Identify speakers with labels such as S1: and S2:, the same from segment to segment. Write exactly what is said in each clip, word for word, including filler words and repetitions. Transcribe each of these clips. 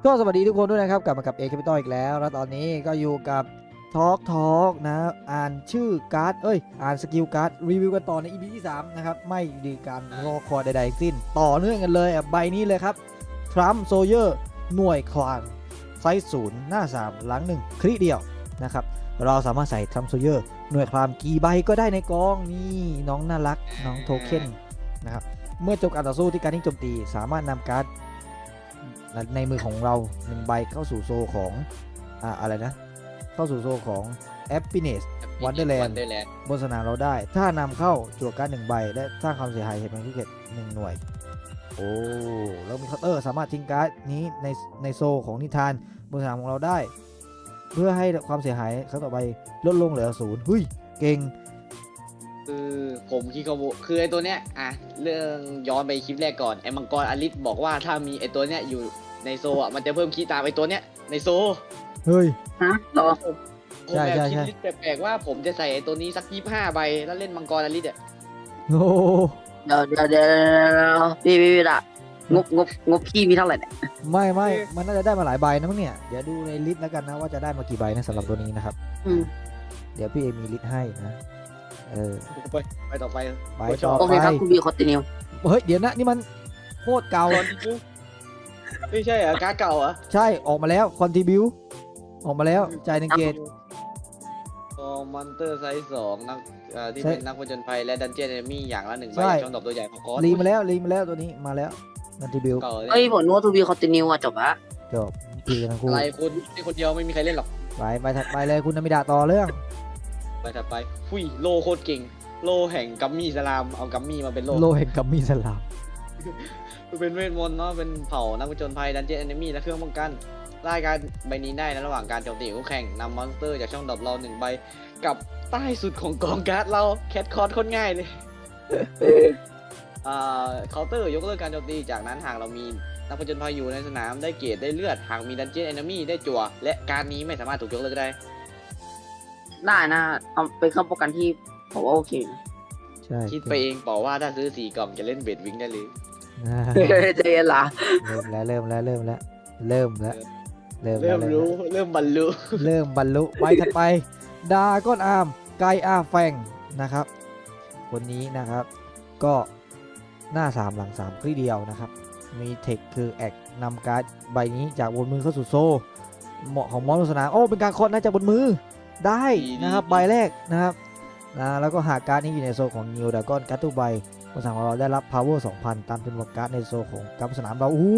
S1: ก็สวัสดีทุกคนด้วยนะครับกลับมากับเอ Capital อีกแล้วแล้วตอนนี้ก็อยู่กับทอล์กทอล์กนะอ่านชื่อการ์ดเอ้ยอ่านสกิลการ์ดรีวิวกันต่อใน อี พี ที่สามนะครับไม่ดีการรอคอยใดๆสิ้นต่อเนื่องกันเลยใบนี้เลยครับทรัมป์โซเยอร์หน่วยคลานไซส์ศูนย์หน้าสามหลังหนึ่งคลิเดียวนะครับเราสามารถใส่ทรัมป์โซเยอร์หน่วยคลามกี่ใบก็ได้ในกองนี่น้องน่ารักน้องโทเค็นนะครับเมื่อจบการต่อสู้ที่การทิ้งโจมตีสามารถนำการ์ดในมือของเราหนึ่งใบเข้าสู่โซของอ่าอะไรนะเข้าสู่โซของ Happiness Wonderland บนสนามเราได้ถ้านำเข้าจั่วการ์ดหนึ่งใบและสร้างความเสียหายเหตุผลพิเศษหนึ่งหน่วยโอ้แล้วมีเคาน์เตอร์สามารถทิ้งการ์ดนี้ในในโซของนิทานบนสนามของเราได้เพื่อให้ความเสียหายครั้งต่อไปลดลงเหลือศูนย์เฮ้ยเก่ง
S2: คือผมคิดเขาคือไอตัวเนี้ยอ่ะเรื่องย้อนไปคลิปแรกก่อนไอมังกรอลิสบอกว่าถ้ามีไอตัวเนี้ยอยู่ในโซอ่ะมันจะเพิ่มคีย์ตามไอตัวเนี้ยในโซ
S1: เฮ้ย
S3: ฮะต่อ
S2: ผมผมแบบคิดลิสต์แปลกๆว่าผมจะใส่ไอตัวนี้สักยี่สิบห้าใบแล้วเล่นมังกรอลิสอ่ะ
S1: โอ้
S3: เดี๋ยวเดี๋ยวเดี๋ยวพี่พี่พี่ละงบงบงบพี่มีเท่าไหร่เนี่ย
S1: ไม่ไม่มันน่าจะได้มาหลายใบนะมั้งเนี่ยเดี๋ยวดูในลิสต์แล้วกันนะว่าจะได้มากี่ใบนะสำหรับตัวนี้นะครับเดี๋ยวพี่เอมีลิสต์ให้นะเออ
S2: ไปไปต่อไป
S1: ไปต่อไป
S3: โอเคครับคุณบีคอตติเนีย
S1: เฮ้ยเดี๋ยวนะนี่มันโคตรเก่า
S2: ไม่ใช่เหรอการ์ดเก่าเหรอ
S1: ใช่ออกมาแล้วคอนทิบิวออกมาแล้วจ่ายหนึ่งเกต
S2: โอ้มอนเตอร์ไซส์สองนักที่เป็นนักผจญภัยและดันเจี้ยนเอนมี่อย่างละหนึ่งใบช่องดอกตัวใหญ่ของก้อน
S1: รีมาแล้วรีมาแล้วตัวนี้มาแล้วคอนทิบิว
S3: เฮ้ยผมนึกว่าทูบีคอตติเนียอะจบละ
S1: จบพี่กันทั้งคู่
S2: อะไรคุณนี่คนเดียวไม่มีใครเล่นหรอก
S1: ไปไปถัดไปเลยคุณนามิดะต่อเรื่อง
S2: ไปถัดไปฟุยโลโคตรเก่งโลแห่งกัมมี่สลามเอากัมมี่มาเป็นโล
S1: โลแห่งกัมมี่สลาม
S2: เป็นเวทมนต์เนาะเป็นเผ่านักผจญภัยดันเจี้ยนเอนมี่และเครื่องป้องกันรายการใบนี้ได้ในระหว่างการโจมตีคู่แข่งนำมอนสเตอร์จากช่องดรอปเราหนึ่งใบกับใต้สุดของกองการ์ดเราแคทคอร์ดคนง่ายเลยอ่าเคาน์เตอร์ยกเลิกการโจมตีจากนั้นหากเรามีนักผจญภัยอยู่ในสนามได้เกรดได้เลือดหากมีดันเจี้ยนเอนมี่ได้จั่วและการนี้ไม่สามารถถูกยกเลิกได้
S3: ได้นะเอาเป็นเครื่องป้องกันที่ผมว่าโอเค
S1: ใช่
S2: คิดไปเองบอกว่าถ้าซื้อสี่กล่องจะเล่นเบดวิงได้เลย
S3: เจนล่ะ
S1: เริ่มแล้วเริ่มแล้วเริ่มแล้วเริ่มแล้ว
S2: เริ่มเริ่มรู้เริ่มบรรลุ
S1: เริ่มบรรลุไปถัดไปดาก้อนอาร์มไกอาแฟงนะครับคนนี้นะครับก็หน้าสามหลังสามคลี่เดียวนะครับมีเทคคือแอกนำการ์ดใบนี้จากบนมือเข้าสู่โซ่เหมาะของมอนสนามโอ้เป็นการเคาะน่าจะบนมือได้นะครับใบแรกนะครับนะแล้วก็หากการ์ดนี้อยู่ในโซ่ของนิวดาก้อนการ์ดทุกใบบนสนามของเราได้รับ power สองพัน ตามจำนวนการ์ดในโซ่ของการ์ดสนามเราอู้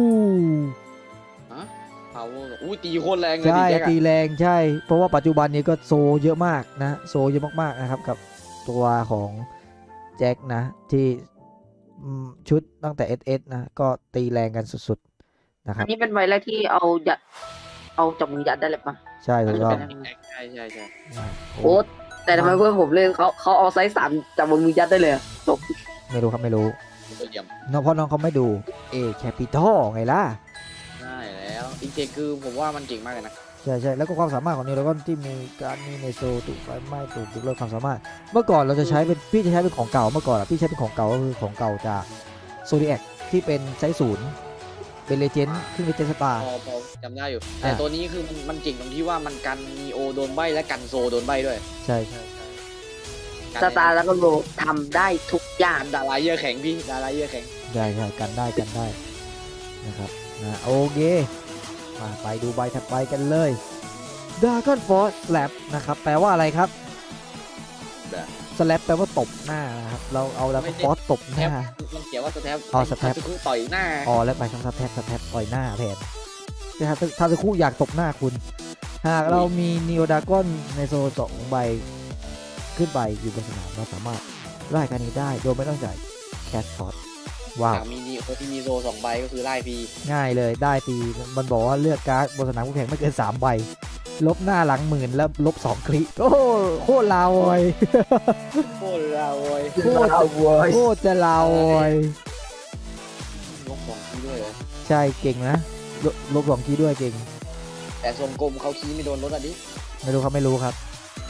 S2: พาวเวอร์อู้ตีโคตรแรงเลย
S1: ใช่ตีแรงใช่เพราะว่าปัจจุบันนี้ก็โซเยอะมากนะโซเยอะมากๆนะครับกับตัวของแจ็คนะที่ชุดตั้งแต่ เอส เอส นะก็ตีแรงกันสุดๆนะครับ
S3: อันนี้เป็นใบแรกที่เอายัดเอาจับมือยัดได้เลยปะ
S1: ใช่ถูกต้อง
S2: ใช่ใช่ใช่
S3: โอ้แต่ทำไมเพื่อนผมเล่นเขาเขาเอาไซส์สามจับมือยัดได้เลยจบ
S1: ไม่รู้ครับไม่รู้น้องเพราะน้องเขาไม่ดูเอแคปิตอลไงล่ะ
S2: ใช่แล้วจริงๆคือผมว่ามันเก่งมากเลยนะ
S1: ใช่ใช่แล้วก็ความสามารถของนิวแล้วก็ที่มีการมีในโซถูกไฟไหม้ถูกยกเลิกความสามารถเมื่อก่อนเราจะใช้เป็นพี่จะใช้เป็นของเก่าเมื่อก่อนอ่ะพี่ใช้เป็นของเก่าก็คือของเก่าจากโซดิแอคที่เป็นไซส์ศูนย์เป็นเลเจนด์ขึ้นเลเจนด์สตาร์
S2: พอพอจำได้อยู่แต่ตัวนี้คือมันมันเก่งตรงที่ว่ามันกันมีโอโดนใบและกันโซโดนใบด้วย
S1: ใช่ใช่
S3: สตาร์แล้วก็โลทำได้ทุกอย่าง
S2: ดาราเยอะแข็งพี่ดาราเยอะแข็ง
S1: ใช่ใช่กันได้กันได้นะครับนะโอเคมาไปดูใบถัดไปกันเลย Dragon Force Slap นะครับแปลว่าอะไรครับ Slap แปลว่าตบหน้านะครับเราเอา Dragon Force ตบหน้า
S2: มันเขียนว่าสแตป
S1: อ๋อสแตป
S2: ต่อยหน้า
S1: อ๋อแล้วไปทำสแตปสแตปต่อยหน้าแทนแต่ถ้าถ้าจะคู่อยากตบหน้าคุณหากเรามี Neo Dragon ในโซนสองใบขึ้นไปอยู่บนสนามเราสามารถไล่การนี้ได้โดยไม่ต้องจ่ายแคชพอตว้าว
S2: มีนีโอที่มีโซสองใบก็คือไล่พี
S1: ง่ายเลยได้ปีมันบอกว่าเลือกการ์ดบนสนามคู่แข่งไม่เกินสามใบลบหน้าหลังหมื่นแล้วลบสองคลิโอ้โคตรลาวอย
S2: โคตรลาวอย
S1: โคตรลาวอยโคตรจะลาวอย
S2: ลบสองคีด้วยเหรอ
S1: ใช่เก่งนะลบสองคีด้วยเก่ง
S2: แต่ทรงกลมเขาคีไม่โดนลดอ่ะดิ
S1: ไม่รู้ครับไม่รู้ครับ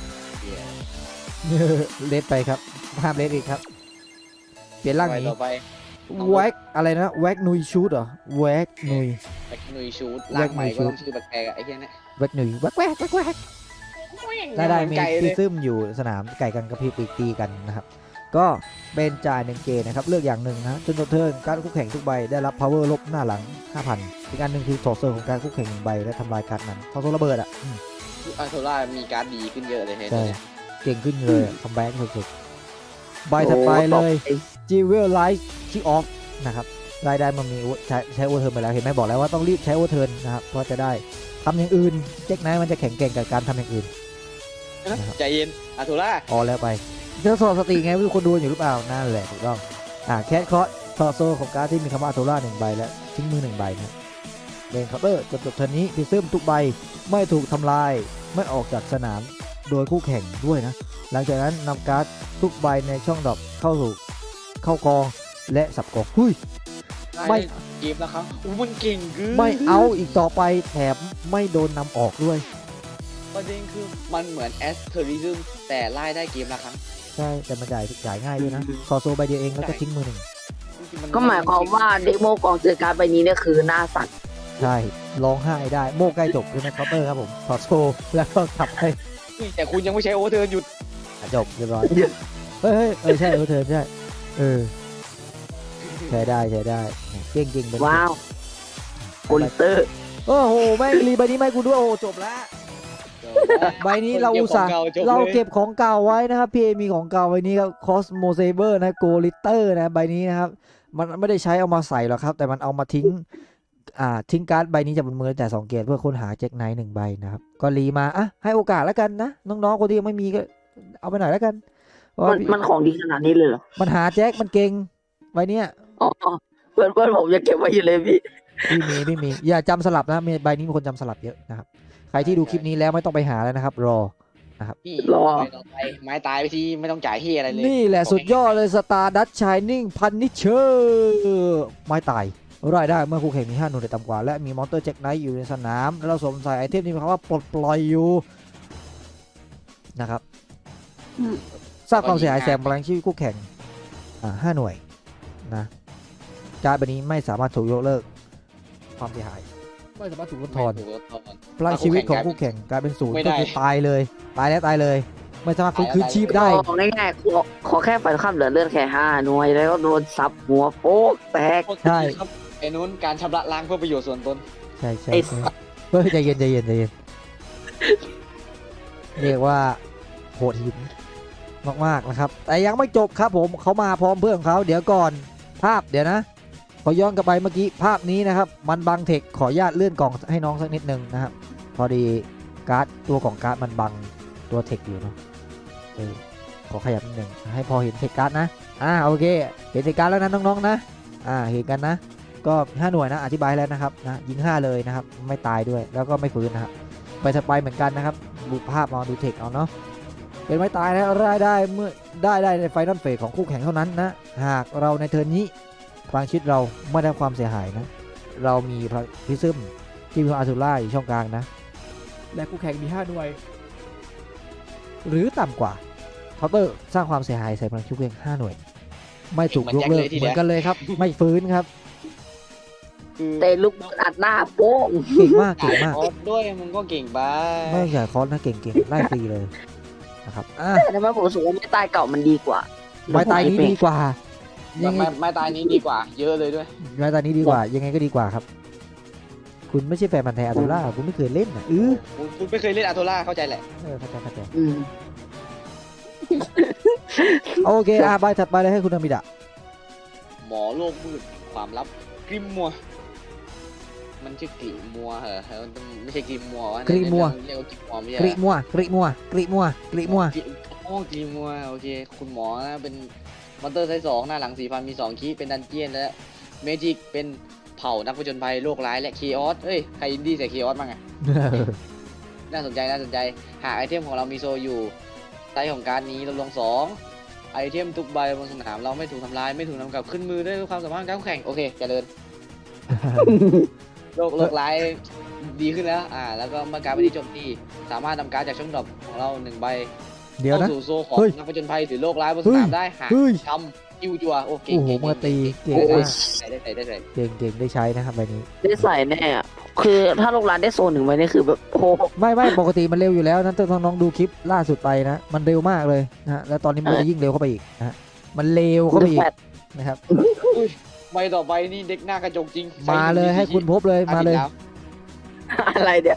S1: เลดไปครับห้ามเลดอีกครับเปลี่ยนร่างนี้แว็กอะไรนะแว็กนุยชูดเหรอแว็กนุย
S2: กหนุยชูดล่างใหม่ก็ต้องชื่อแปลกๆอะไอ้เหี้ยเนี่ย
S1: แวกหนึ่งแวกแวกแวกแวกได้ได้มี
S2: ไก่เล
S1: พิ
S2: ย
S1: ซึมอยู่สนามไก่กันกระพริบปีกตีกันนะครับ ก็เป็นจ่ายหนึ่งเกตนะครับเลือกอย่างหนึ่งนะจนตัวเทิร์นการคู่แข่งทุกใบได้รับ power ลบหน้าหลัง ห้าพัน อีกอันหนึ่งคือถอดเซอร์ของการคู่แข่งหนึ่งใบและทำลายการ์ดนั้นถอดเซอร์ระเบิดอ่ะอืม
S2: อาโทล่ามีการ์ดดีขึ้นเยอะเลยเฮ้ย
S1: ใช่เก่งขึ้นเลยคัมแบ็กสุดๆใบถัดไปเลย j e w e l Light Kick Off นะครับรายได้มันมีใช้ใช้โอเทิร์นไปแล้วเห็นไหมบอกแล้วว่าต้องรีบใช้โอเทิร์นนะครับเพราะจะได้ทำอย่างอื่นเจ๊กไนท์มันจะแข็งแกร่งกับการทำอย่างอื่น
S2: ใจเย็นอาโทล่า
S1: พอแล้วไปเจอสอบสติไงไม่รู้คนดูอยู่หรือเปล่านั่นแหละถูกต้องอ่าแคทคอร์สทอโซของการดที่มีคำว่าอัโตล่าหนึ่งใบและทิ้งมือหนึ่งใบนะเลนเคาน์เตอร์จบจบเทิร์นนี้พิซึมทุกใบไม่ถูกทำลายไม่ออกจากสนามโดยคู่แข่งด้วยนะหลังจากนั้นนำการ์ดทุกใบในช่องดรอปเข้าสู่เข้ากองและสับกองหุ้ย ไม่
S2: เกมแล้วครับอู้มันเก่งเกิน
S1: ไม่เอาอีกต่อไปแถมไม่โดนนำออกด้วย
S2: ประเด็นคือมันเหมือนแอสเทอริซึมแต่ไล่ได้เกมละครั้ง
S1: ใช่แต่มันจ่ายจ่ายง่ายด้วยนะทอโซใบเดียวเองแล้วก็ทิ้งมือหนึ่ง
S2: จริงๆน
S3: ก็หมายความว่าเดโมกองเจอการดใบนี้เนี่ยคือหน้าสั่น
S1: ใช่ร้องไห้ได้โม่ใกล้จบใช่ไหมเคาน์เตอร์ครับผมทอโซแล้วก็ขับไป
S2: นี่แต่คุณยังไม่ใช้โอเวอร์เทิร์นหยุด
S1: อ่ะจบเรียบร้อยเฮ้ยเฮ้ยเออใช่เออเธอใช่เออใช้ได้ใช้ได้เก่งจริงเป็น
S3: ว้าวโกลิเตอร์
S1: โอ้โหแม่งรีใบนี้ไม่กูด้วยโอ้จบแล้วใบนี้เราอุตส่าห์ เราเก็บของเก่าไว้นะครับพี่เอมีของเก่าไว้นี้ครับคอสโมเซเบอร์นะโกลิเตอร์นะใบนี้นะครับมันไม่ได้ใช้เอามาใส่หรอกครับ แต่มันเอามาทิ้งอ่าทิ้งการ์ดใบนี้จากบนมือแต่สองเกตเพื่อค้นหาแจ็คไนท์หนึ่งใบนะครับก็รีมาอ่ะให้โอกาสแล้วกันนะน้องๆคนที่ยังไม่มีก็เอาไปหน่อยแล้วกันเพราะ
S3: มั
S1: ว่าน
S3: มันของดีขนาดนี้เลยเหรอ
S1: มันหาแจ็คมันเก่งใบเนี้ย
S3: อ๋อเพื่อนเพื่อนผมยังเก็บไว้อยู่เลยพี่
S1: พี่มีพี่มีอย่าจำสลับนะมีใบนี้มีคนจำสลับเยอะนะครับใครที่ดูคลิปนี้แล้วไม่ต้องไปหาแล้วนะครับรอ
S2: พี่
S3: รอ
S2: ไปต่อไปไม้ตายไปที่ไม่ต้องจ่ายที่อะไรเลย
S1: นี่แหละสุดยอดเลยสตาร์ดัตชายนิ่งพันนิเชอร์ไม้ตายรายได้เมื่อคู่แข่งมีห้าหน่วยต่ำกว่าและมีมอนเตอร์แจ็คไนท์อยู่ในสนามแล้วเราสวมใส่ไอเทมนี้มีคำว่าปลดปล่อยอยู่นะครับ
S3: อืม
S1: สร้างความเสียหายแสงพลังชีวิตคู่แข่งอ่าห้าหน่วยนะการ์ดใบนี้ไม่สามารถถูกยกเลิกความเสียหายไม่สามารถถูกลดทอน
S2: ไม่ถูกลดทอน
S1: พลังชีวิตของคู่แข่งกลายเป็นศูนย์
S2: ไม่ได้
S1: ก็คือตายเลยตายแล้วตายเลย ไม่สามารถฟื้นคืนชีพได้
S3: ของง่ายๆขอขอแค่ไฟข้ามเหลือเลือดแค่ห้าหน่วยแล้วก็โดนซับหัวโป๊กแตก
S1: ใช่
S2: ครับไอ้นู้นการชำระล้างเพื่อประโยชน์ส่วนตน
S1: ใช่ใช่
S3: ไอ้
S1: ใช่เฮ้ยใจเย็นใจเย็นใจเย็นเรียกว่าโหดหินมากๆนะครับ แต่ยังไม่จบครับผมเขามาพร้อมเพื่อนของเขาเดี๋ยวก่อนภาพเดี๋ยวนะ ขอย้อนกลับไปเมื่อกี้ภาพนี้นะครับ มันบังเทคขออนุญาตเลื่อนกล่องให้น้องสักนิดนึงนะครับ พอดีการ์ดตัวของการ์ดมันบังตัวเทคอยู่เนาะเออขอขยับนิดนึงให้พอเห็นเทคการ์ดนะอ่าโอเคเห็นเทคการ์ดแล้วนะน้องๆนะอ่าเห็นกันนะ ก็ห้าหน่วยนะอธิบายแล้วนะครับนะยิงห้าเลยนะครับไม่ตายด้วยแล้วก็ไม่ฟื้นนะครับไปสไปเหมือนกันนะครับดูภาพเอาดูเทคเอาเนาะเป็นไม่ตายนะรายได้เมื่อได้ได้ในไฟนอลเฟสของคู่แข่งเท่านั้นนะหากเราในเทิร์นนี้พลังชีวิตเราไม่ได้ความเสียหายนะเรามีพิซึมที่มีอาร์ทูล่าอยู่ช่องกลางนะและคู่แข่งมีห้าหน่วยหรือต่ำกว่าเคาน์เตอร์สร้างความเสียหายใส่พลังชีวิตเพียงห้าหน่วยไม่ถูกยกเลิกเหมือนกันเลยครับไม่ฟื้นครับ
S2: คือ
S3: เตะลูกอัดหน้าโป้ง
S1: เก่งมากเก่งมาก
S2: คอร์สด้วยมึงก็เก่งไป
S1: ไม่ใหญ่คอร์สนะเก่งเก่งไล่ฟรีเลยนะครับอ่ะ
S3: แต่ทำไมผมรู้สึกว่าไม่ตายเก่ามันดีกว่า
S1: ไม้ตายนี้ดีกว่ายังไง
S2: ไม่ไม่ตายนี้ดีกว่า เยอะเลยด้วย
S1: ไม้ตายนี้ดีกว่า ยังไงก็ดีกว่าครับ คุณไม่ใช่แฟนพันธุ์แท้อาร์ตูล่าคุณไม่เคยเล่นอ่ะเออ
S2: คุณคุณไม่เคยเล่นอาโทล่าเข้าใจแหละ
S1: เออเข้าใจเข้าใจ
S3: อืม
S1: โอเคอ่ะใบถัดไปเลยให้คุณอามิดะ
S2: หมอโลกมืดความลับกริมมัว มันชื่อกริมัวเหรอมันไม่ใช่กริมมัววะ
S1: กริมัว
S2: เรียกว่ากริมมัวไม่ใช่
S1: กริมัวกริมัวกริมัวกริมัว
S2: โอ้กริมัวโอเค คุณหมอนะเป็นมอนเตอร์ไซส์สองหน้าหลังสี่พันมีสองคีย์เป็นดันเจียนและเมจิกเป็นเผ่านักผจญภัยโลกร้ายและคีออสเอ้ยใครอินดี้ใส่คีออสบ้างไง น่าสนใจน่าสนใจหากไอเทมของเรามีโซอยู่ไซส์ของการดนี้ลดลงสองไอเทมทุกใบบนสนามเราไม่ถูกทำลายไม่ถูกนำกลับขึ้นมือด้วยความสามารถการแข่งโอเคเจริญโลกโลกร้ายดีขึ้นแล้วอ่าแล้วก็เมื่อการดไปที่โจมตีสามารถนำการดจากช่องดรอปของเราหนึ่งใบ
S1: เดี๋ยวนะ
S2: เข้าสู่โซของ
S1: เฮ้ย
S2: นักผจญภัยหรือโลกร้ายบนสนามได้หาก
S1: เฮ้ย
S2: ทคิวจัวโอเค
S1: โอ้โหมือตีเก่ง
S3: โอ้
S1: มาย ก
S2: ใส่ได้ใส่ได้ใส่
S1: เก่งเก่งได้ใช้นะครับใบนี้
S3: ได้ใส่แน่อะคือถ้าโรงร้านได้โซนหนึ่งไว้นี่คือแบบโอ้โห
S1: ไม่ไม่ปกติมันเร็วอยู่แล้วนั้นต้องน้องดูคลิปล่าสุดไปนะ มันเร็วมากเลยนะฮะแล้วตอนนี้มันจะยิ่งเร็วเข้าไปอีกนะฮะมันเร็วเข้าไปอีกนะครับ
S2: ใบต่อไปนี่เด็กหน้ากระจกจริง
S1: มาเลยให้คุณพบเลยมาเลย
S3: อะไรเนี่ย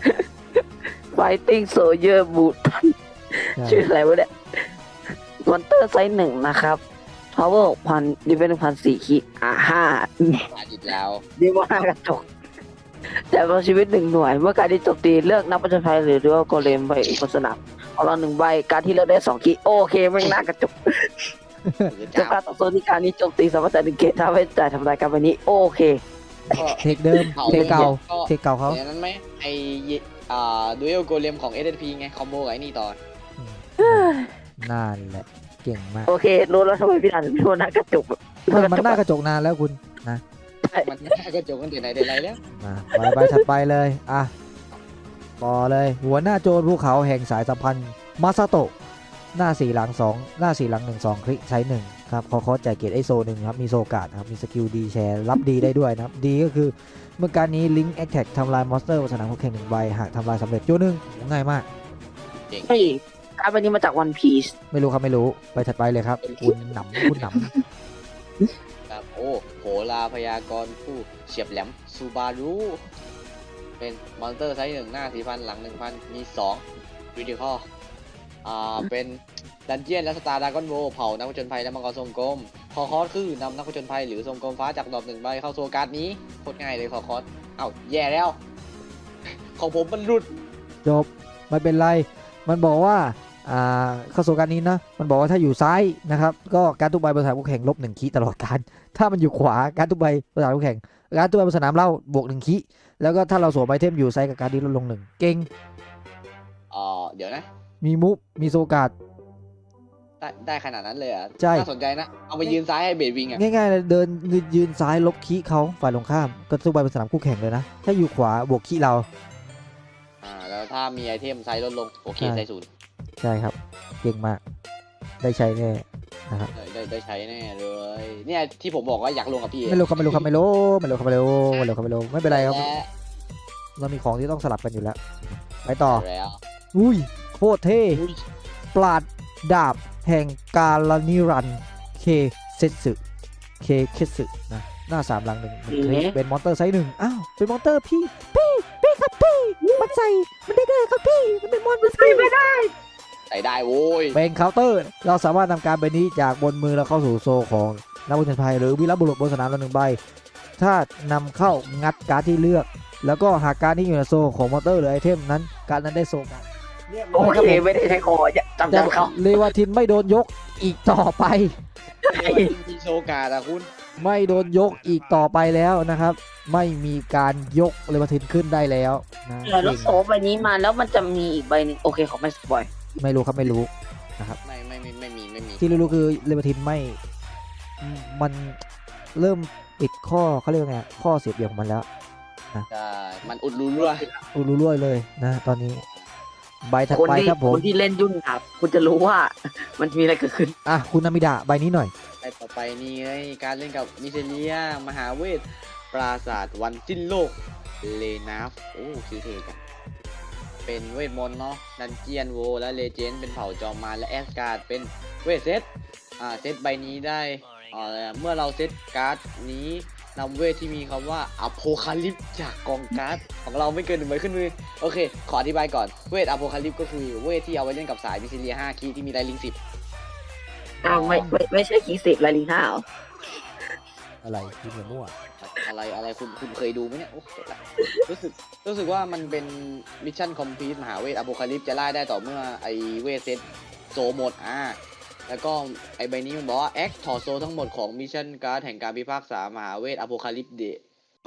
S3: Fighting Soldier Boot ชื่ออะไรวะเนี่ยมอนเตอร์ไซส์หนึ่งนะครับ Power หกพัน Defense หนึ่งพันสี่ขีดอ่าห้า
S2: มาอีกแล้ว
S3: ดีมากกระจกแต่พอชีวิตหนึ่งหน่วย เมื่อการที่โจมตีเลือกนักประจนภัยหรือด้วยโกเลมใบบนสนามเอาเราหนึ่งใบการที่เลือกได้สองขีดโอเคไม่งน่ากระจกจะการต่อสู้ที่การนี้โจมตีสามารถแต่หนึ่งเกตถ้าไม่จ่ายทำลายการไปนี้โอเค
S1: เทคเดิมเทคเก่าเทคเก่าเขา
S2: อย่างนั้นไหมไออ่าดูเอลโกเลมของ เอส เอส พี ไงคอมโบกับไอ้นี่ต่อ
S1: นั่นแหละเก่งมาก
S3: โอเครู้แล้วทำไมพี่อ่านถึงโดนน่ากระจก
S1: มันมันหน้ากระจกนานแล้วคุณนะ
S2: มันหน้ากระจกกันแต่ไหนแต่ไรแล้ว
S1: มาใบใบถัดไปเลยอ่ะต่อเลยหัวหน้าโจรภูเขาแห่งสายสัมพันธ์มาซาโตะหน้าสี่หลังสองหน้าสี่หลังหนึ่งสองคลิกใช้หนึ่งครับขอขอจ่ายเกียรติไอโซหนึ่งครับมีโซการ์ดนะครับมีสกิลดีแชร์รับดีได้ด้วยนะครับดีก็คือเมื่อการนี้ลิงก์แอคแท็กทำลายมอนสเตอร์บนสนามคู่แข่งหนึ่งใบหากทำลายสำเร็จโจหนึ่งง่ายมาก
S3: เฮ้ยการไปนี้มาจากวันพีซ
S1: ไม่รู้ครับไม่รู้ไปถัดไปเลยครับคุณหนำคุณหน
S2: ครับโอ้โหลาพยากรณ์ผู้เฉียบแหลมซูบารุเป็นมอนสเตอร์ไซส์หนึ่งหน้าสี่พันหลังหนึ่งพันมีสองวิดีคออ่าเป็นดันเจียนและสตาร์ดากอนโวเผานักผจญภัยและมังกรทรงกลมคอคอสคือนำนักผจญภัยหรือทรงกลมฟ้าจากดอกหนึ่งใบเข้าโซการ์ดนี้โคตรง่ายเลยคอคอสเอ้าแย่แล้ว ของผมมันหลุด
S1: ำจบไม่เป็นไรมันบอกว่าอ่าเข้าสู่การนี้นะมันบอกว่าถ้าอยู่ซ้ายนะครับก็การทุกใบบนสนามคู่แข่งลบหนึ่งคีตลอดการถ้ามันอยู่ขวาการทุกใบบนสนามคู่แข่งการทุกใบบนสนามเล่าบวกหนึ่งคีแล้วก็ถ้าเราสวมไอเทมอยู่ซ้ายกับการดีลดลงหนึ่งเก่ง
S2: อ่าเดี๋ยวนะ
S1: มีมุฟมีโซการ์ด
S2: ได้ได้ขนาดนั้นเลยเหรอ่ะ
S1: ใช่
S2: น่าสนใจนะ เอาไปยืนซ้ายให้เบดวิงอ่ะ
S1: ง่ายๆเลยเดินยืนซ้ายลบคีเขาฝ่ายตรงข้ามก็ทุกใบบนสนามคู่แข่งเลยนะถ้าอยู่ขวาบวกคีเรา
S2: อ่าแล้วถ้ามีไอเทมไซส์ลดลงโอเค
S1: ใช่
S2: ไซส์ศูนย์
S1: ใช่ครับเก่งมากได้ใช้แน่นะครับ
S2: ได้ได้ได้ใช้แน่เลย เนี่ยที่ผมบอกว่าอยากลงกับพี่
S1: ไม่รู้ครับไม่รู้ครับไม่รู้ไม่รู้ครับไม่รู้ไม่รู้ครับไม่รู้ไม่เป็นไรครับ
S2: และ
S1: เรามีของที่ต้องสลับกันอยู่แล้วไปต่อ
S2: แล้ว
S1: อุ้ยโคตรเท่
S2: อุ้ย
S1: ปราดดาบแห่งกาลนิรันดร์เคเซสึเคเคสึนะหน้าสามหลังหนึ่งหนึ่งคลิกเป็นมอนเตอร์ไซส์หนึ่งอ้าวเป็นมอนเตอร์พี่พี่พี่ครับพี่มันใส่มันได้ไงครับพี่มันเป็นมอนมันใส่ไม่ได้
S2: ใส่ได้โว้ย
S1: เป็นเคาน์เตอร์เราสามารถนำการใบนี้จากบนมือเราเข้าสู่โซของนักบุญชันภัยหรือวีรบุรุษบนสนามเราหนึ่งใบถ้านำเข้างัดการ์ดที่เลือก แล้วก็หากการ์ดที่อยู่ในโซของมอนเตอร์หรือไอเทมนั้นการ์ดนั้นได้โซกันเรียบร้
S3: โอ
S1: อยครับ
S3: เค
S1: ผม
S3: ไม่ได้ใช้คอจำ
S1: แต่
S3: จำเขา
S1: เลวาทินไม่โดนยกอีกต่อไป
S2: เรียกว่ามีโชกาดอะคุณ
S1: ไม่โดนยกอีกต่อไปแล้วนะครับ ไม่มีการยกเลวาทินขึ้นได้แล้วนะ
S3: แล้ว
S1: เก่ง
S3: โซใบนี้มาแล้วมันจะมีอีกใบหนึ่งโอเคเขาไม่สปอย
S1: ไม่รู้ครับไม่รู้
S2: ไม่ไม่ไม่ไม่มีไม่มี
S1: ที่รู้ๆคือเลวาทินไม่มันเริ่มปิดข้อเขาเรียกว่าไงข้อเสียเปรียบของมันแล้ว
S2: ใช่มันอุดรูรั่ว
S1: อุรุร่วยเลยนะตอนนี้ใบถัด
S3: คน
S1: ไป
S3: ที่
S1: ครับผม
S3: คนที่เล่นยุ่นครับ คุณจะรู้ว่ามันมีอะไรเกิดขึ้น
S1: อ่ะคุณนามิดะใบนี้หน่อย
S2: ไอต่อไปนี่ไงการเล่นกับมิเซเลียมหาเวท ปราศาสตร์วันสิ้นโลก เลนาฟโอ้ชื่อเท่จังเป็นเวทมนต์เนาะดันเจียนโวและเลเจนด์เป็นเผ่าจอมมารและแอสการ์ดเป็นเวทเซตอ่าเซตใบนี้ได้อ่าเมื่อเราเซตการ์ดนี้นำเวทที่มีคำว่าอโพคาลิปจากกองการ์ดของเราไม่เกินหนึ่งใบขึ้นมือโอเค ขออธิบายก่อนเวทอโพคาลิปก็คือเวทที่เอาไว้เล่นกับสายมิซิเลียห้าคีย์ที่มีไดลิงสิบ
S3: อ้าวไม่ไม่ไม่ใช่คีสิบลายลิงห้าเหรอ
S1: อะไรที่เหมือนมั่ว
S2: อะไรอะไรคุณคุณเคยดูไหมเนี่ยโอ้โหรู้สึกรู้สึกว่ามันเป็นมิชชั่นคอมพลีทมหาเวทอโพคาลิปจะไล่ได้ต่อเมื่อไอเวทเซตโซหมดอ่าแล้วก็ไอใบนี้มันบอกว่าแอคถอดโซทั้งหมดของมิชชั่นการ์ดแห่งการพิพากษามหาเวทอโพคาลิปเดะ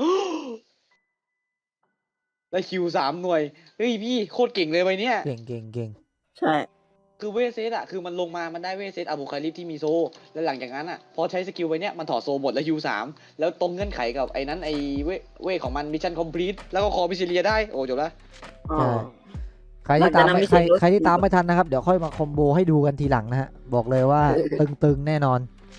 S2: ได้คิวสามหน่วยเฮ้ยพี่โคตรเก่งเลยใบเนี้ย
S1: เก่งเก่งเก่ง
S3: ใช่
S2: คือเวทเซตอะคือมันลงมามันได้เวทเซตอโพคาลิปที่มีโซแล้วหลังจากนั้นอะพอใช้สกิลไว้เนี้ยมันถอดโซหมดแล้วคิวสามแล้วตรงเงื่อนไขกับไอ้นั้นไอ้เวเวทของมันมิชชั่นคอมพลีทแล้วก็คอมิซิเลียได้โอ้จบแล้ว
S3: อ๋อ
S1: ใช่ใครที่ตาม
S3: มันจะนำ
S1: ไม่
S3: มิ
S1: ใคร
S3: เซล
S1: ใครที่ตามไม่ทันนะครับ เดี๋ยวค่อยมาคอมโบให้ดูกันทีหลังนะฮะบอกเลยว่าตึงๆแน่นอน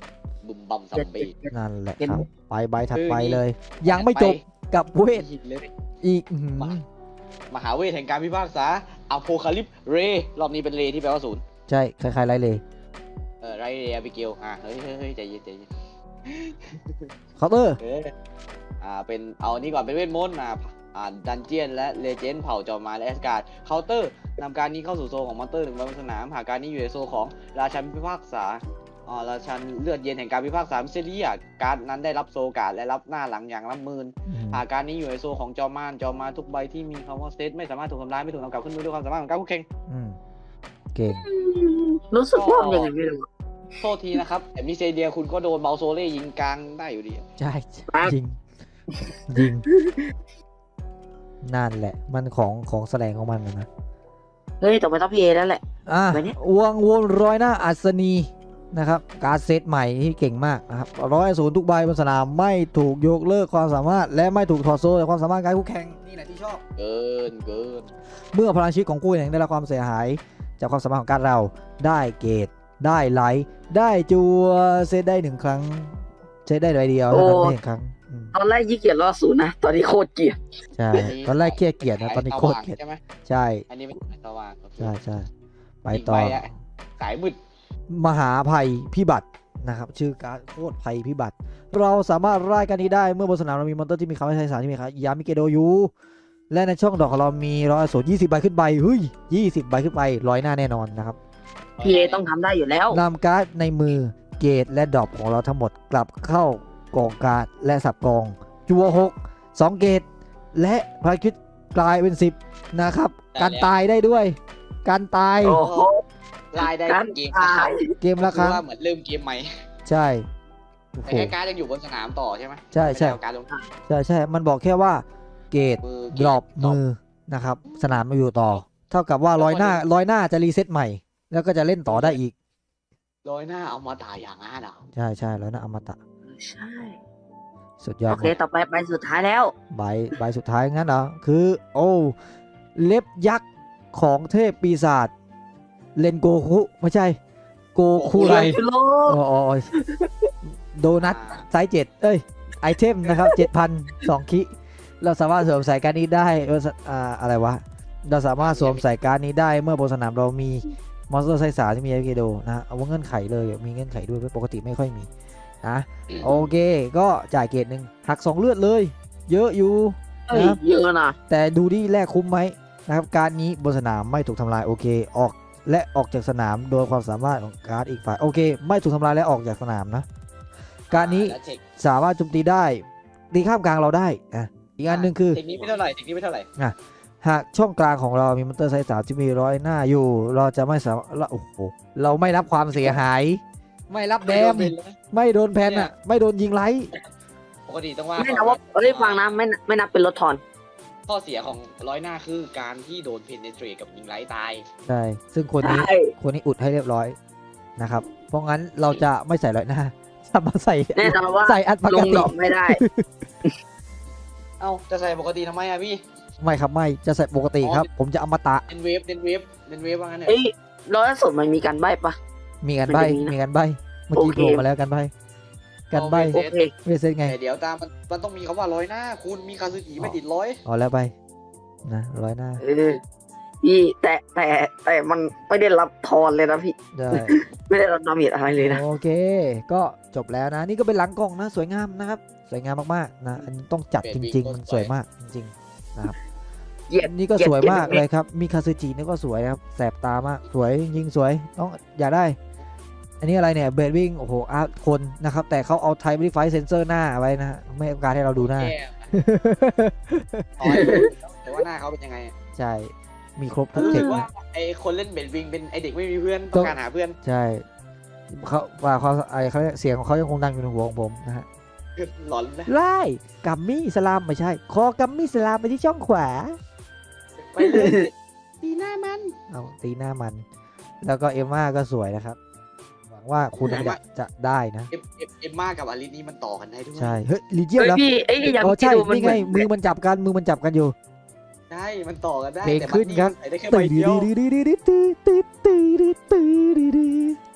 S2: บุมบัมซัมบี้
S1: นั่นแหละ
S3: เห็น
S1: ครับไปใบถัด
S2: คือ
S1: ไป
S2: นี่
S1: เลย ยังไม่จบกับเวท
S2: อีกเลย
S1: อีกอื้อหือ
S2: มา มหาเวทแห่งการพิพากษาอโพคาลิปเรรอบนี้เป็นเรที่แปลว่าศูนย์
S1: ใช่คล้ายๆไรเลย
S2: เออไรเรอบิเกลอ่ะเฮ้ยเฮ้ยเฮ้ยใจเย็นใจเย็น
S1: เคาน์เตอร์
S2: เอออ่าเป็นเอาอันนี้ก่อนเป็นเวทมนต์อ่าอ่าดันเจียนและเลเจนด์เผ่าจอมมารและแอสการ์ดเคาน์เตอร์นำการนี้เข้าสู่โซนของมอนเตอร์หนึ่งใบบนสนามหากการนี้อยู่ในโซนของราชันพิพากษาอ่าราชันเลือดเย็นแห่งการพิพากษามิเซเรียการ์ดนั้นได้รับโซการ์ดและรับหน้าหลังอย่างละหมื่น
S1: อืม
S2: หากการนี้อยู่ในโซนของจอมมารจอมมารทุกใบที่มีคำว่าสเตทไม่สามารถถูกทำลายไม่ถูกนำกลับขึ้นมือด้วยความสามารถของการคู่แข่ง
S1: อืมเก่ง
S3: รู้สึกว่ามันยังไงไม่รู้
S2: โทษทีนะครับแต่มิเซเดียคุณก็โดนเบลโซเล่ยิงกลางได้อยู่ดี
S1: ใช่
S3: ครับ
S1: ยิงยิงนั่นแหละมันของของแสดงของมันนะนะ
S3: เฮ้ยต่อไปต้องพี่เอแล้วแหละ
S1: อ่ะ
S3: ไปเนี่ย
S1: วงวนร้อยหน้าอัศนีนะครับการดเซตใหม่ที่เก่งมากนะครับร้อยศูนย์ทุกใบบนสนามไม่ถูกยกเลิกความสามารถ และไม่ถูกถอดโซ่จากความสามารถการคู่แข่งนี่แหละที่ชอบ
S2: เกินเกิน
S1: เมื่อพลังชีวิตของคู่แข่งได้รับความเสียหาย จากความสามารถของการดเราได้เกรดได้ไลท์ได้จัวเซตได้หนึ่งครั้งเซตได้ใบเดียวเท่านั้นไม่หนึ่งครั้งอืม
S3: ตอนแรกยี่เกียจรอดศูนย์นะ ตอนนี้โคตรเกลียด
S1: ใช่ตอนแรกเครียดเกลียดนะตอนนี้โคตรเกลียด
S2: ใช่ไหม
S1: ใช่
S2: อันนี้เป็นสายสว่างโอเค
S1: ใช่ใช่ไป
S2: อีก
S1: ต่อ
S2: ใบอะสายมืด
S1: มหาภัยพิบัตินะครับชื่อการดโคตรภัยพิบัติ เราสามารถไล่กันนี้ได้เมื่อบนสนามเรามีมอนเตอร์ที่มีคำว่าใช้สารที่มีคำยามิเกโดยูและในช่องดอกของเรามีร้อยสูตรยี่สิบใบขึ้นไปเฮ้ยยี่สิบใบขึ้นไปร้อยหน้าแน่นอนนะครับ
S3: พี่เอต้องทำได้อยู่แล้ว
S1: นำการ์ดในมือเกรดและดรอปของเราทั้งหมดกลับเข้ากองการ์ดและสับกองจัวหกสองเกรดและพลังคิดกลายเป็นสิบนะครับการตายได้ด้วย การตาย
S3: โอ้โห
S2: ลายได้
S3: การ
S2: เกม
S3: ตาย
S1: เกมละครั้ง
S2: ว่าเหมือนเริ่มเกมใหม่
S1: ใช่โอ้โห
S2: แต่แค่การ์ดยังอยู่บนสนามต่อใช่ไหม
S1: ใช่ใช่
S2: ไม่ได้เอาการดลง
S1: ใช่ใช่มันบอกแค่ว่าเกรด
S2: มือ
S1: ดรอปมือนะครับสนามมาอยู่ต่อ เท่ากับว่าร้อยหน้าร้อยหน้าจะรีเซ็ตใหม่ แล้วก็จะเล่นต่อได้อีก
S2: ร้อยหน้าเอามาตายอย่างนั้นอ่ะ
S1: ใช่ใช่ร้อยหน้าอมตะ
S3: ใช่
S1: สุดยอด
S3: โอเค ต่อไปไปสุดท้ายแล้ว
S1: ใบใบสุดท้ายงั้นเหรอคือ โอ้เล็บยักษ์ของเทพปีศาจเลนโกคุไม่ใช่ โกคุไร
S3: โล
S1: อ๋ออ๋ออ๋อโดนัทไซส์เจ็ดเอ้ยไอเทมนะครับเจ็ดพันสองคิเราสามารถสวมใส่การดนี้ได้เอออ่าอะไรวะเราสามารถสวมใส่การดนี้ได้เมื่อบนสนามเรามีมอนสเตอร์ไซส์สามที่มีเอฟเกโดนะฮะเอาว่าเงื่อนไขเลยมีเงื่อนไขด้วยปกติไม่ค่อยมีนะโอเคก็จ่ายเกรดหนึ่งหักสองเลือดเลย เยอะอยู่
S3: เฮ้ย
S1: นะ
S3: เยอะนะ
S1: แต่ดูที่แลกคุ้มไหมนะครับการดนี้บนสนามไม่ถูกทำลายโอเคออกและออกจากสนามโดยความสามารถของการ์ดอีกฝ่ายโอเค ไม่ถูกทำลายและออกจากสนามนะการดนี้
S2: และเทค
S1: สามารถโจมตีได้ตีข้ามกลางเราได้อ่ะอีกอันหนึ่งคือ
S2: เทคนี้ไม่เท่าไหร่เทคนี้ไม่เท่าไหร่
S1: หากช่องกลางของเรามีมอนเตอร์ไซส์สามที่มีร้อยหน้าอยู่ เราจะไม่สามารถเราโอ้โหเราไม่รับความเสียหาย ไม่รับแดม
S2: ไม่โดนเป็นเลย
S1: ไม่โดนแพน
S2: เนี่
S1: อ่ะ
S2: ย
S1: ไม่โดนยิงไลท์
S2: ปกติต้องว่า
S3: ไม่นับว่าเอ้ยฟังนะไม่ไม่นับเป็นรถทอน
S2: ข้อเสียของร้อยหน้าคือการที่โดนเพนเนเทรตกับยิงไร้ตาย
S1: ใช่ซึ่งคนนี้
S3: ใช่
S1: คนนี้อุดให้เรียบร้อยนะครับเพราะงั้นเราจะไม่ใส่ร้อยหน้า จะมาใส่
S3: แน่นอนว่า
S1: ใส่อันป
S3: ล
S1: ก
S3: ง
S1: ติ
S3: ดอกไม่ได้
S2: เอ้าจะใส่ปกติทำไมอะพี่
S1: ไม่ครับไม่จะใส่ปกติครับ ผมจะอมตะ
S2: เน้นเวฟเน้นเวฟเน้นเวฟว่างั้นเถ
S3: เอ้
S2: อะ
S3: ยร้อยสุดมันมีการใบ้ปะ
S1: มีกันใบ
S3: มันจะมีนะ
S1: มีกันใบเมื่อกี้
S3: โอเค
S1: โผล่มาแล้วกันใบกันใบ
S3: โอเค
S1: ไม่เซ็นไง
S2: แต่เดี๋ยวตามมันมันต้องมีคำว่าร้อยหน้า คุณมีคาซึกิไม่ติดร้อย
S1: เอาแล้วไปนะร้อยหน้า
S3: เออพี่แต่แต่แต่มันไม่ได้รับทอนเลยนะพี่
S1: ได้
S3: ไม่ได้รับดาเมจอะไรเลยนะ
S1: โอเค ก็จบแล้วนะ นี่ก็เป็นหลังกล่องนะ สวยงามนะครับ สวยงามมากๆนะอันนี้ต้องจัดจริง ๆ มันสวยมากจริงๆนะครับ
S3: เกียด
S1: นี่ก็
S3: เกียด
S1: สวยมาก
S3: เกียด
S1: เลยครับ มีคาซึจินี่ก็สวยนะครับแสบตามากสวยยิงสวยต้องอยากได้ อันนี้อะไรเนี่ยเบดวิ่งโอ้โหอาร์ตคนนะครับ แต่เขาเอาไทม์รีไฟเซนเซอร์หน้าไว้นะฮะไม่ต้องการให้เราดูหน้า
S2: แย่อ๋อแต่ว่าหน้าเขาเป็นยังไงอะ
S1: ใช่ มีครบทุก
S2: รู้
S1: เท
S2: สึ
S1: ค
S2: กว่า
S1: นะ
S2: ไอคนเล่นเบดวิงเป็นไอเด็กไม่มีเพื่อนต้องการหาเพื่อน
S1: ใช่เขาว่าเขาไอเขาเรียกเสียงของเขายังคงดังอยู่ในหัวของผมนะฮะ
S2: หลอนนะ
S1: ไล่กัมมี่สลามไม่ใช่ คอกัมมี่สลามไปที่ช่องขวา
S2: ไปเลยตีหน้ามัน
S1: เอาตีหน้ามัน แล้วก็เอมม่าก็สวยนะครับ หวังว่าคุณจะจะได้นะ
S2: เอ็มเอ็มเอ็มมากับอลิสนี่มันต่อกันได้ด้วย
S1: ใช่ เฮ้ยลีเจียน
S3: เฮ้ย
S1: แล้ว
S3: พี่ไอ้ยอย่าง
S1: อ๋อ
S3: ที่
S1: ใช่
S3: ดูมัน
S1: นี่
S3: เห
S1: ไง
S3: มือน
S1: มือมันจับกัน มือมันจับกันอยู่
S2: ใช่มันต่อกันได้
S1: เพลง
S2: แต่
S1: ขึ้นครับ
S2: ใส่ได้แค่ใบ
S1: ตีดี
S2: เดียว
S1: ดีดีดีดีตีตีตีตีตีดีดี
S2: แต่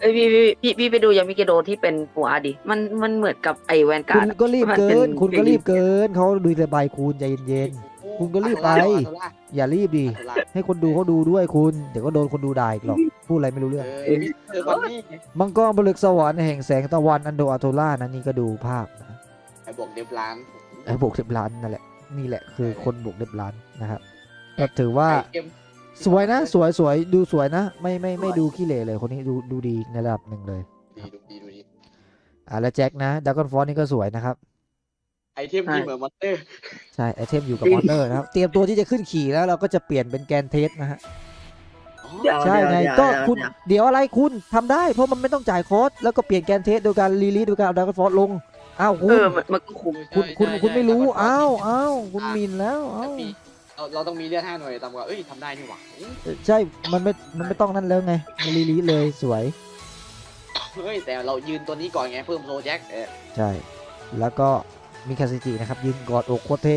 S3: เอ้ยพี่พี่พี่พี่ไปดูยามิเกโดที่เป็นหัวดิมันมันเหมือนกับไอแวนกา
S1: คุ
S3: ร์
S1: ณ
S3: ด
S1: ก็รีบ
S3: มัน
S1: เกิ
S3: เป็น
S1: น คุณก็
S3: เป็น
S1: รีบเกินเขาดูระบายคุณใจเย็น คุณก็รีบไป ๆ อย่ารีบดิ ให้คนดูเขาดูด้วยคุณ เดี๋ยวก็โดนคนดูด่าอีกหรอก พูดอะไรไม่รู้เรื่อง
S2: เออมิสเตอร์บันนี่
S1: มังกรผลึกสวรรค์แห่งแสงตะวันอันโดอาโทล่านะนี่ก็ดูภาพนะ
S2: ไอ้บอกเดฟล้าน
S1: ไอ้บวกสิบล้านนั่นแหละ นี่แหละคือคนบวกสิบล้านนะครับก็ถือว่า
S2: ไอ้เอ็ม
S1: สวยนะ สวยสวยดูสวยนะ ไม่ไม่ไม่ดูขี้เหร่เลยคนนี้ดูดูดีในระดับหนึ่งเลย
S2: ดีดูดีดูดี
S1: อ่าแล้วแจ็คนะดักกอนฟอนนี่ก็สวยนะครับ
S2: ไอเทมที่เหมือนมอนเตอร์
S1: ใช่ไอเทมอยู่กับมอนเตอร์นะครับ เตรียมตัวที่จะขึ้นขี่แล้วเราก็จะเปลี่ยนเป็นแกนเทสนะฮะ
S3: เดี๋ยว
S1: ใช่ไง
S3: เดี๋ยว
S1: ก็
S3: เดี๋ยว
S1: คุณ
S3: เดี๋ยว
S1: เดี๋ยวอะไรคุณทำได้เพราะมันไม่ต้องจ่ายคอสแล้วก็เปลี่ยนแกนเทสโดยการรีลีสโดยการเอาดักกอนฟอนลงอ้าวคุ
S3: เอ
S1: ณ
S3: อมันมันก็คุ้ม
S1: คุณคุณ
S2: ใช่
S1: คุณไม่รู้
S2: ใช่
S1: อ้าวอ้าวคุณหมินแล้วอ้าว
S2: มีเราเราต้องมีเลือดห้าหน่วยต่ำกว่าเอ้ยทำได้นี่หว่า
S1: ใช่มันไม่มันไม่ต้องนั่นแล้วไงรีลีสเลยสวย
S2: เฮ้ยแต่เรายืนตัวนี้ก่อนไงเพิ่มโซแจ็คเออ
S1: ใช่แล้วก็มีคาซิจินะครับยืนกอดอกโคตรเท่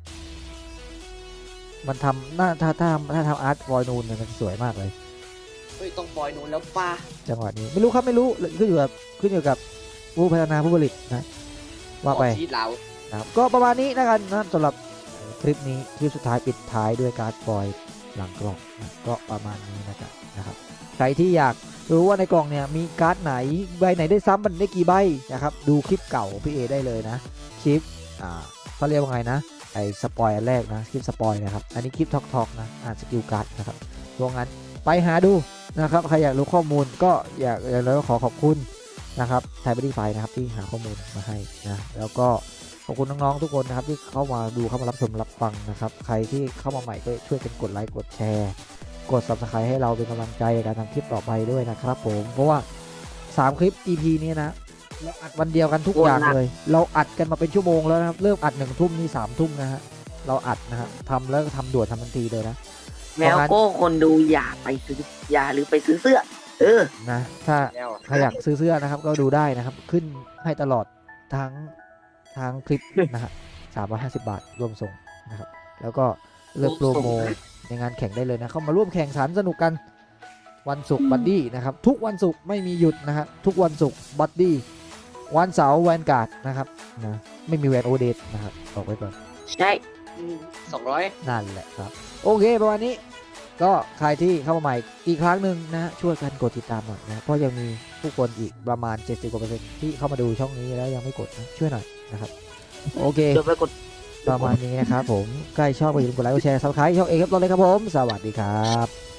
S1: มันทำหน้าถ้าถ้าถ้าทำอาร์ตฟอยนูนเนี่ยมันสวยมากเลย
S2: เฮ้ยต้องปล่อยนูนแล้วป้า
S1: จังหวะนี้ไม่รู้ครับไม่รู้ขึ้นอยู่กับขึ้นอยู่กับผู้พัฒนาผู้ผลิตนะว่าไป
S2: ชีดเรา
S1: นะครับก็ประมาณนี้นะกันนะสำหรับคลิปนี้คลิปสุดท้ายปิดท้ายด้วยการ์ดฟอยล์หลังกล่องนะก็ประมาณนี้นะครับนะครับใครที่อยากรู้ว่าในกล่องเนี่ยมีการ์ดไหนใบไหนได้ซ้ำมันได้กี่ใบนะครับดูคลิปเก่าพี่เอได้เลยนะคลิปอ่าเขาเรียกว่าไงนะไอ้สปอยอันแรกนะคลิปสปอยนะครับอันนี้คลิปทอกทอกนะอ่านสกิลการ์ดนะครับเพราะงั้นไปหาดูนะครับใครอยากรู้ข้อมูลก็อยากแล้วก็ขอขอบคุณนะครับไทยบริไฟนะครับที่หาข้อมูลมาให้นะแล้วก็ขอบคุณน้องๆทุกคนนะครับที่เข้ามาดูเข้ามารับชมรับฟังนะครับใครที่เข้ามาใหม่ก็ช่วยกันกดไลค์กดแชร์กด ซับสไครบ์ ให้เราเป็นกำลังใจในการทำคลิปต่อไปด้วยนะครับผมเพราะว่าสามคลิป อี พี นี้นะเราอัดวันเดียวกันทุกอย่างเลย เราอัดกันมาเป็นชั่วโมงแล้วนะครับเริ่มอัดหนึ่งทุ่มนี่สามทุ่มนะฮะเราอัดนะฮะทำแล้วก็ทำด่วนทำทันทีเลยนะ
S3: แมวโก้คนดูอย่าไปซื้ออย่าหรือไปซื้อเสื้อ เออ
S1: นะถ้า
S2: แล้ว
S1: ใครอยากซื้อเสื้อนะครับก็ดูได้นะครับขึ้นให้ตลอดทั้งทั้งคลิปนะฮะสามร้อยห้าสิบบาทรวมส่งนะครับแล้วก็เลือกโปรโมในงานแข่งได้เลยนะเข้ามาร่วมแข่งขันสนุกกันวันศุกร์บัดดี้นะครับทุกวันศุกร์ไม่มีหยุดนะฮะทุกวันศุกร์บัดดี้วันเสาร์แวนการ์ดนะครับนะไม่มีแวนโอเดตนะครับบอกไว้ก่อน
S3: ใช่
S2: สองร้อย
S1: นั่นแหละครับโอเคประมาณนี้ก็ใครที่เข้ามาใหม่อีกครั้งหนึ่งนะช่วยกันกดติดตามหน่อยนะเพราะยังมีผู้คนอีกประมาณเจ็ดสิบกว่าเปอร์เซ็นต์ที่เข้ามาดูช่องนี้แล้วยังไม่กดนะช่วยหน่อยนะครับโอเค
S3: เดี๋ยวไปกด
S1: ประมาณนี้นะครับผมใกล้ชอบก็อย่าลืมกดไลค์กดแชร์ซับสไครต์ช่องเอกครับตอนเลยครับผมสวัสดีครับ